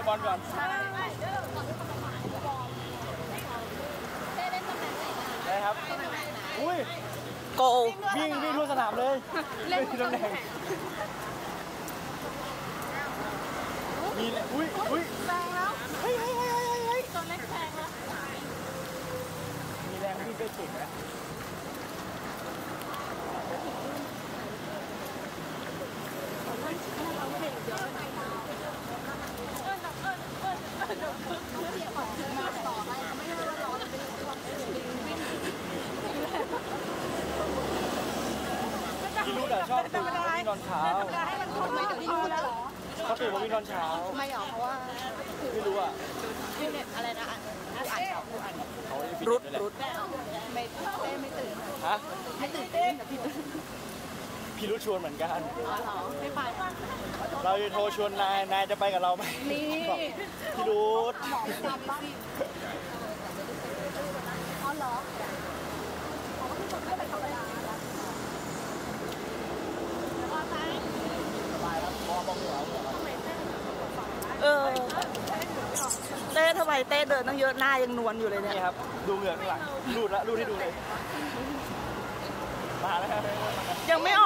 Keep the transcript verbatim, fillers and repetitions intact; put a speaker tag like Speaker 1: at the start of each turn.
Speaker 1: บอลก่อนได้ครับอุ้ยโกวิ่งวิ่งทั่วสนามเลยเล่นที่ตำแหน่งมีอุ้ยอุ้ยแรงแล้วเฮ้ยเฮ้ยเฮ้ยเฮ้ยตัวเล็กแรงแล้วมีแรงวิ่งก็เก่งนะพี่รู้แต่ชอบตื่นมาวิ่งตอนเช้าทำไมถึงรู้แล้วเขาตื่นมาวิ่งตอนเช้า
Speaker 2: ไม่หรอเพราะว่า
Speaker 1: ไม่รู้อ่ะ
Speaker 2: ที่เน็ตอะไรนะอ่านอ่านเขาอ่าน
Speaker 1: เขา
Speaker 2: รุดรุดไม่เต้ไม่ตื่น
Speaker 1: ฮะ
Speaker 2: ไม่ตื่นเต้นแต่พี่
Speaker 1: พี่รู้ชวนเหมือนกัน
Speaker 2: อ๋อเหรอไม่ไป
Speaker 1: เราจะโทรชวนนายนายจะไปกับเราไหม
Speaker 2: นี่
Speaker 1: พี่รู้
Speaker 2: หมอไม่ทำบ้างอ๋อเหรอเขาก็พี่คนไม่ไปธรรมดาเออเต้ทำไมเต้เดินตั้งเยอะหน้ายังนวลอยู่เลยเนี่ย
Speaker 1: นี่ครับดูเหงื่อข้างหลังรูดละรูดให้ดูเลยมาแล้วครับ
Speaker 2: ยังไม่อ